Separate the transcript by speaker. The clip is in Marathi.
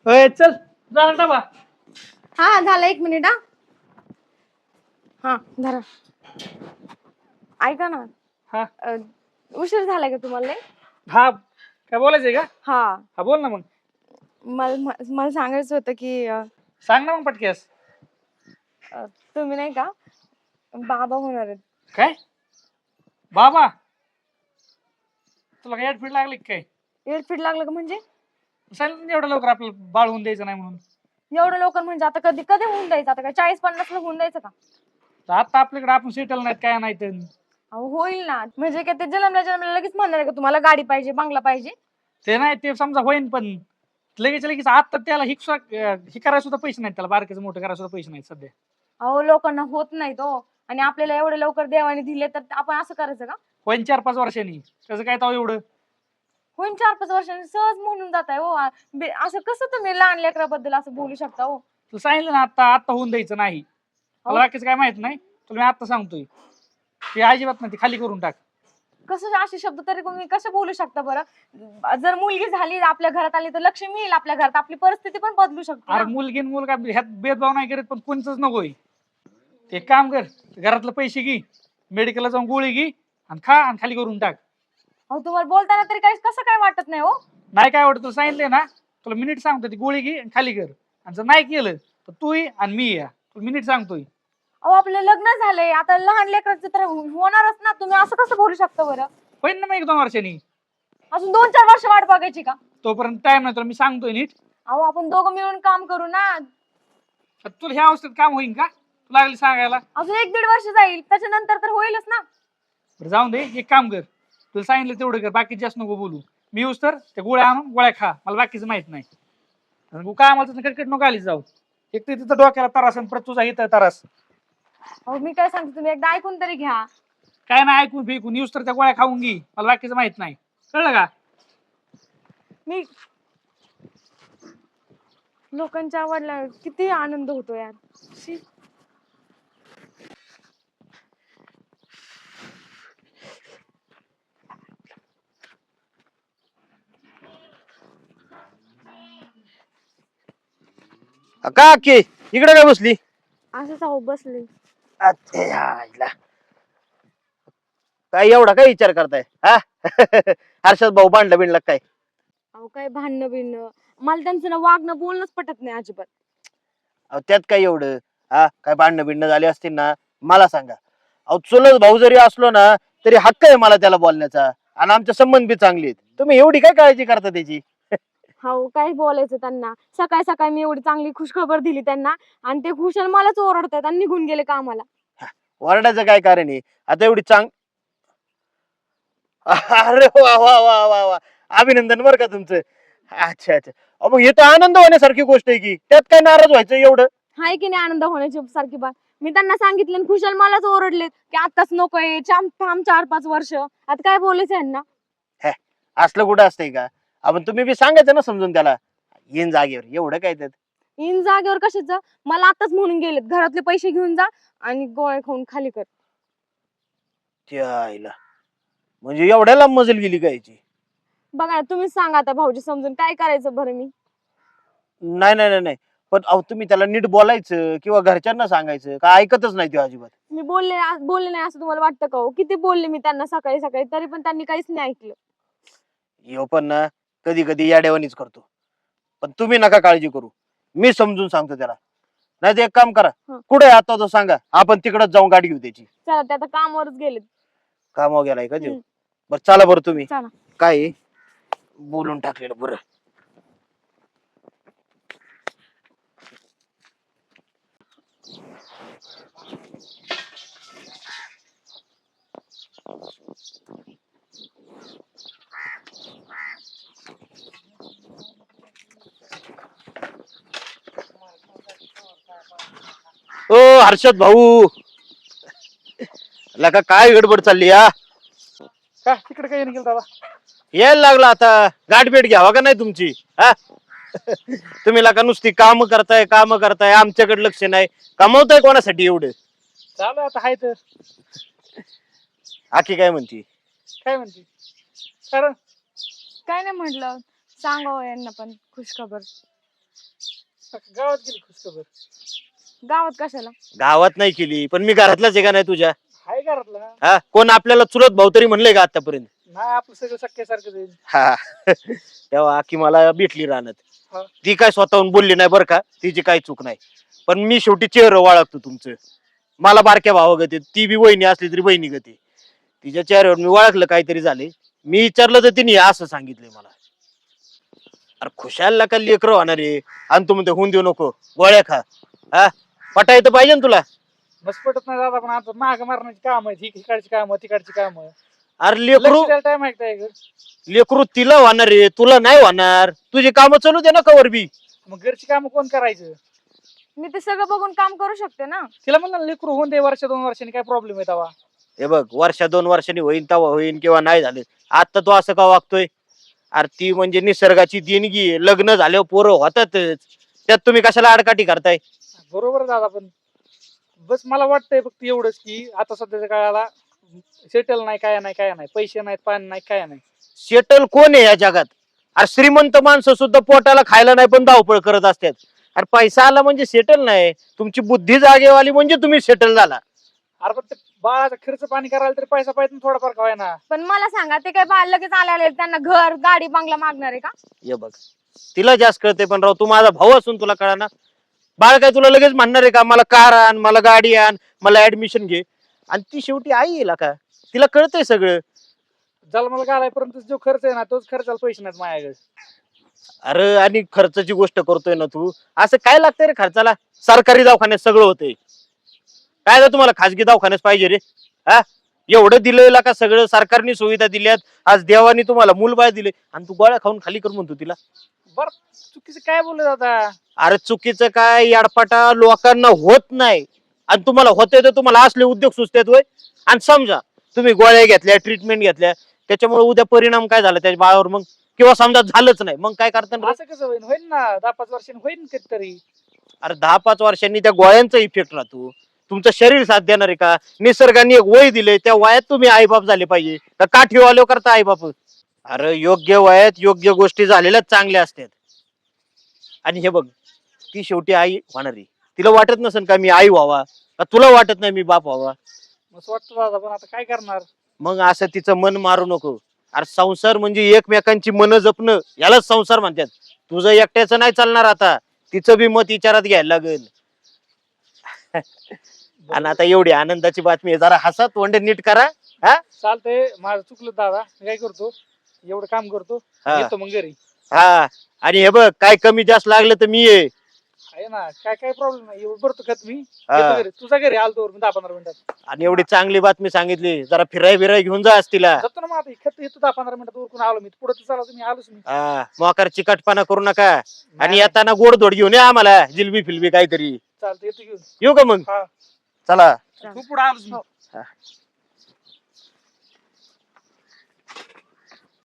Speaker 1: होय चल झाला डबा.
Speaker 2: हा झालं 1 मिनिट. हा धरा. ऐका ना.
Speaker 1: हा
Speaker 2: उशीर झालाय का तुम्हाला लय?
Speaker 1: हा काय बोलायचंय का?
Speaker 2: हा
Speaker 1: हा बोल ना मग.
Speaker 2: मला सांगायचं होतं की
Speaker 1: सांग ना मग पटकेस.
Speaker 2: तुम्ही नाही का बाबा होणार आहेत.
Speaker 1: काय बाबा तुला काय ऍडफिट लागली काय?
Speaker 2: एअरफिट लागलं का म्हणजे?
Speaker 1: सांगितलं ना एवढं लवकर आपल्याला बाळ होऊन द्यायचं नाही म्हणून.
Speaker 2: एवढं लवकर म्हणजे आता कधी कधी होऊन द्यायचं? आता काय 40-50 ला होऊन द्यायचं का?
Speaker 1: तर आता आपल्याकडे आपण सेटल नाहीत काय नाही तर.
Speaker 2: अहो होईल ना. म्हणजे काय ते जन्मल्या लगेच म्हणणार आहे का तुम्हाला गाडी पाहिजे बंगला पाहिजे?
Speaker 1: ते नाही ते समजा होईन पण लगेच लगेच आता त्याला ही करायला सुद्धा पैसे नाहीत, त्याला बारकेचं मोठं करायला सुद्धा पैसे नाहीत सध्या.
Speaker 2: अहो लोकांना होत नाही तो. आणि आपल्याला एवढे लवकर देवाने दिले तर आपण असं करायचं का?
Speaker 1: होईन 4-5 वर्षांनी त्याचं काय ताव एवढं.
Speaker 2: होईन 4-5 वर्षांनी सहज म्हणून जात आहे. हो असं कसं तुम्ही लहान लेकराबद्दल असं बोलू शकता? हो
Speaker 1: तुला सांगितलं ना आता आता होऊन द्यायचं नाही. मला बाकीचं काय माहित नाही, तुला मी आता सांगतोय ते अजिबात नाही, ते खाली करून टाक.
Speaker 2: कसं असे शब्द तरी तुम्ही कसं बोलू शकता बरं? जर मुलगी झाली आपल्या घरात आली तर लक्ष्मी येईल आपल्या घरात, आपली परिस्थिती पण बदलू शकते
Speaker 1: अरे
Speaker 2: ना.
Speaker 1: मुलगी न मुलगा ह्यात भेदभाव नाही करत, पण कोणचंच नकोय. ते एक काम कर, घरातलं पैसे घे, मेडिकलला जाऊन गोळी घे आणि खा आणि खाली करून टाक.
Speaker 2: अहो तुम्हाला बोलताना तरी काही कसं काय वाटत नाही? हो
Speaker 1: नाही काय आवडत तुला सांगितलंय ना, तुला मिनिट सांगतो ती गोळी घे आणि खाली कर. आणि जर नाही केलं तर तू ये आणि मी या, तुला मिनिट सांगतोय.
Speaker 2: अहो आपलं लग्न झालंय आता, लहान लेकराचं तर होणारच ना. तुम्ही असं कसं बोलू शकता बरं?
Speaker 1: होईन ना मग 1-2 वर्षांनी.
Speaker 2: अजून 2-4 वर्ष वाट बघायची का?
Speaker 1: तोपर्यंत टाइम नाही, तुला मी सांगतोय नीट.
Speaker 2: अहो आपण दोघं मिळून काम करू ना.
Speaker 1: आता तुला ह्या अवस्थेत काम होईन का तुला लागली सांगायला?
Speaker 2: अजून 1-1.5 वर्ष जाईल, त्याच्यानंतर तर होईलच ना.
Speaker 1: बरं जाऊन दे, एक काम कर, तुला सांगितलं तेवढं कर, बाकी जास्त नको बोलू. मी येऊस तर त्या गोळ्या आणून गोळ्या खा, मला बाकीचं माहित नाही. आणि काय आम्हाला कडकड नको आली जाऊ. एक तर तिथं डोक्याला त्रास आणि परत तुझा इथं त्रास.
Speaker 2: अहो मी काय सांगते तुम्ही एकदा ऐकून तरी घ्या.
Speaker 1: काय नाही ऐकून फेकून येऊस तर त्या गोळ्या खाऊन घे, मला बाकीचं माहित नाही, कळलं का?
Speaker 2: मी लोकांच्या आवडला किती आनंद होतो यार. शी.
Speaker 3: का की इकडे काय बसली?
Speaker 2: असंच अहो बसले.
Speaker 3: अच्छे आईला. काय एवढा काय विचार करताय हा? हर्षद भाऊ भांडला बिंडला काय?
Speaker 2: अहो काय भांडणं बिणणं, मला त्यांचं ना वागणं बोलणंच पटत नाही अजिबात.
Speaker 3: अहो त्यात काय एवढं? हा काय भांडणं बिंडणं झाली असतील ना मला सांगा. अहो चुलत भाऊ जरी असलो ना तरी हक्क आहे मला त्याला बोलण्याचा, आणि आमचे संबंध बी चांगले आहेत. तुम्ही एवढी काय काळजी करता त्याची?
Speaker 2: हो काय बोलायचं त्यांना. सकाळी सकाळी मी एवढी चांगली खुशखबर दिली त्यांना आणि ते खुशाल मलाच ओरडतात आणि निघून गेले कामाला.
Speaker 3: ओरडायचं काय कारण आहे? आता एवढी अरे वा वा वा वा वा, अभिनंदन बरं का तुमचं. अच्छा अच्छा. अहो मग हे तर आनंद होण्यासारखी गोष्ट आहे की, त्यात काय नाराज व्हायचं एवढं?
Speaker 2: हाय की नाही आनंद होण्याची सारखी बात? मी त्यांना सांगितलं आणि खुशाल मलाच ओरडले की आताच नकोय, थांब 4-5 वर्ष. आता काय बोलायचं यांना?
Speaker 3: असलं कुठं असतंय का? आपण तुम्ही बी सांगायचं ना समजून त्याला, येईन जागेवर, एवढं काय त्यात?
Speaker 2: इन जागेवर कशाच? मला आताच म्हणून गेलेत घरातले पैसे घेऊन जा आणि गोळ्या खाऊन खाली कर.
Speaker 3: त्या आईला, म्हणजे एवढ्या लांब मजल गेली काय याची?
Speaker 2: बघा तुम्हीच सांगा आता भाऊजी समजून काय करायचं बरं मी?
Speaker 3: नाही नाही नाही नाही, पण अहो तुम्ही त्याला नीट बोलायचं किंवा घरच्यांना सांगायचं, का ऐकतच नाही तो अजिबात.
Speaker 2: मी बोलले नाही असं तुम्हाला वाटतं का? हो किती बोलले मी त्यांना सकाळी सकाळी, तरी पण त्यांनी काहीच नाही ऐकलं.
Speaker 3: ह्यो पण ना कधी कधी याड्यावानीच करतो. पण तुम्ही नका काळजी करू, मी समजून सांगतो त्याला. नाही तर एक काम करा,
Speaker 2: हं.
Speaker 3: कुठे आहे आता तो सांगा, आपण तिकडच जाऊन गाडी घेऊ त्याची.
Speaker 2: चला ते आता कामावरच गेलेत.
Speaker 3: कामावर गेलाय का देऊ?
Speaker 2: हं.
Speaker 3: बरं चला बरं तुम्ही.
Speaker 2: चला.
Speaker 3: काय आहे? बोलून टाकलेलं बरं. ओ हर्षद भाऊ, लका काय गडबड चालली या?
Speaker 1: का तिकडे काही गेलं बाबा?
Speaker 3: यायला लागला आता, गाठभेट घ्यावा का नाही तुमची? हा तुम्ही लका नुसती काम करताय, आमच्याकडे लक्ष नाही. कमवताय कोणासाठी एवढं?
Speaker 1: चालू आता हाय तर.
Speaker 3: आखी काय म्हणती?
Speaker 1: काय म्हणते कारण?
Speaker 2: काय नाही म्हटलं सांगावं यांना पण खुशखबर.
Speaker 1: गावात गेली खुशखबर.
Speaker 2: गावात कशाला?
Speaker 3: गावात नाही केली पण मी घरातलाच आहे का नाही तुझ्या?
Speaker 1: हाय घरातला.
Speaker 3: हा कोण आपल्याला चुलत भाऊ तरी म्हणलंय का आतापर्यंत?
Speaker 1: नाही आपलं सगळं सख्यासारखं जाईल.
Speaker 3: हा तेव्हा की मला भेटली राहणार.
Speaker 1: हा.
Speaker 3: ती काय स्वतःहून बोलली नाही बरं का, तिची काही चूक नाही. पण मी शेवटी चेहरा ओळखतो तुमचं. मला बारक्या भावागती, ती बी वहिनी असली तरी बहिणी गती. तिच्या चेहऱ्यावर मी ओळखलं काहीतरी झाले. मी विचारलं तर तिने असं सांगितलंय मला. अरे खुशालला का लेकर होणार आहे आणि तू म्हणते होऊन देऊ नको, गोळ्या खा. हा पटायचं पाहिजे ना तुला.
Speaker 1: बस पटत नाही दादा, पण आता माग मारण्याची काम आहेत, इकडची काम तिकडची काम.
Speaker 3: अरे लेकरू
Speaker 1: टाइम आहे का?
Speaker 3: लेकरू तिला होणार आहे, तुला नाही होणार. तुझी कामं चालू दे ना कवर बी.
Speaker 1: मग घरची काम कोण करायचं?
Speaker 2: मी ते सगळं बघून काम करू शकते ना.
Speaker 1: तिला म्हणलं ना, लेकरू होऊन दे वर्ष 2 वर्षांनी, काय प्रॉब्लेम आहे तेव्हा.
Speaker 3: हे बघ वर्ष 2 वर्षांनी होईन तेव्हा होईन किंवा नाही झाले. आता तो असं का वागतोय? अरे ती म्हणजे निसर्गाची देणगी आहे. लग्न झाल्यावर पोरं होतातच. त्यात तुम्ही कशाला आडकाठी करताय?
Speaker 1: बरोबर आहे दादा, पण बस मला वाटतंय फक्त एवढंच की आता सध्याच्या काळाला सेटल नाही, काय नाही, पैसे नाहीत, पाणी नाही, काय नाही.
Speaker 3: सेटल कोण आहे या जगात? अरे श्रीमंत माणसं सुद्धा पोटाला खायला नाही पण धावपळ करत असतात. अरे पैसा आला म्हणजे सेटल नाही. तुमची बुद्धी जागेवाली म्हणजे तुम्ही सेटल झाला.
Speaker 1: अरे पण ते बाळाचा खर्च पाणी करायला तरी पैसा पाहिजे ना, थोडाफार काय ना.
Speaker 2: पण मला सांगा, ते काय बाळ लगेच आले त्यांना घर गाडी बंगला मागणार आहे का?
Speaker 3: हे बघ तिला जास्त कळते, पण राव तू माझा भाऊ असून तुला कळा ना. बाळ काय तुला लगेच म्हणणार आहे का मला कार आण, मला गाडी आण, मला ऍडमिशन घे? आणि ती शेवटी आई येईल का, तिला कळतंय सगळं.
Speaker 1: जन्माला घालायपर्यंत जो खर्च आहे ना, तोच खर्चाला पैसे नाहीत माझ्याकडे.
Speaker 3: अरे आणि खर्चाची गोष्ट करतोय ना तू, असं काय लागतंय रे खर्चाला? सरकारी दवाखान्यात सगळं होतंय. काय ना तुम्हाला खाजगी दवाखान्यात पाहिजे रे? हा एवढं दिलेलं का, सगळं सरकारने सुविधा दिल्यात. आज देवानी तुम्हाला मूलबाळ दिले आणि तू गोळ्या खाऊन खाली कर म्हणतो तिला.
Speaker 1: बर चुकीचं काय बोलले दादा?
Speaker 3: अरे चुकीचं काय, याडपाटा लोकांना होत नाही आणि तुम्हाला होतंय तर तुम्हाला असले उद्योग सुचतात होय. आणि समजा तुम्ही गोळ्या घेतल्या, ट्रीटमेंट घेतल्या, त्याच्यामुळे उद्या परिणाम काय झाला त्याच्या बाळावर मग, किंवा समजा झालंच नाही मग काय करता?
Speaker 1: असं कसं होईल? होईल ना 10-5 वर्षांनी होईल कधीतरी.
Speaker 3: अरे 10-5 वर्षांनी त्या गोळ्यांचा इफेक्ट राहतो. तुमचं शरीर साथ देणार आहे का? निसर्गाने एक वय दिले, त्या वयात तुम्ही आईबाप झाले पाहिजे का काठी आलो करता आईबाप? अरे योग्य वयात योग्य गोष्टी झालेल्याच चांगल्या असतात. आणि हे बघ ती शेवटी आई होणार आहे. तिला वाटत नसेल का मी आई व्हावा, का तुला वाटत नाही मी बाप व्हावा?
Speaker 1: असं वाटतं दादा, पण आता काय करणार?
Speaker 3: मग असं तिचं मन मारू नको. अरे संसार म्हणजे एकमेकांची मन जपणं, यालाच संसार म्हणतात. तुझं एकट्याचं नाही चालणार, आता तिचं बी मत विचारात घ्यायला लागेल. आणि आता एवढी आनंदाची बातमी आहे, जरा हसा, तोंड नीट करा. हा
Speaker 1: चालतंय, माझं चुकलं दादा. मी काय करतो, एवढं काम करतो,
Speaker 3: हा.
Speaker 1: येतो मग घरी.
Speaker 3: हा आणि हे बघ काय कमी जास्त लागलं तर मी ये.
Speaker 1: आहे ना, काय प्रॉब्लेम नाही. एवढं भरतो खत मी.
Speaker 3: हा.
Speaker 1: येतो घरी. तुझा घरी आलतो 10-15 मिनिटात.
Speaker 3: आणि एवढी चांगली बातमी सांगितली, जरा फिराय बिराय घेऊन जा आज तिला.
Speaker 1: जातो ना मग आता. खत येतो 10-15 मिनिटात, उरकून आलो मी. पुढे चला तुम्ही, आलोच मी.
Speaker 3: हा मोकार चिकटपणा करू नका. आणि
Speaker 1: नाही,
Speaker 3: येताना गोडधोड घेऊन या आम्हाला, जिलबी फिलबी काहीतरी.
Speaker 1: चालतं, येतो घेऊन.
Speaker 3: येऊ का मग?
Speaker 1: हा
Speaker 3: चला.
Speaker 1: तू पुढे आलोच मी.
Speaker 2: हो.
Speaker 3: हा.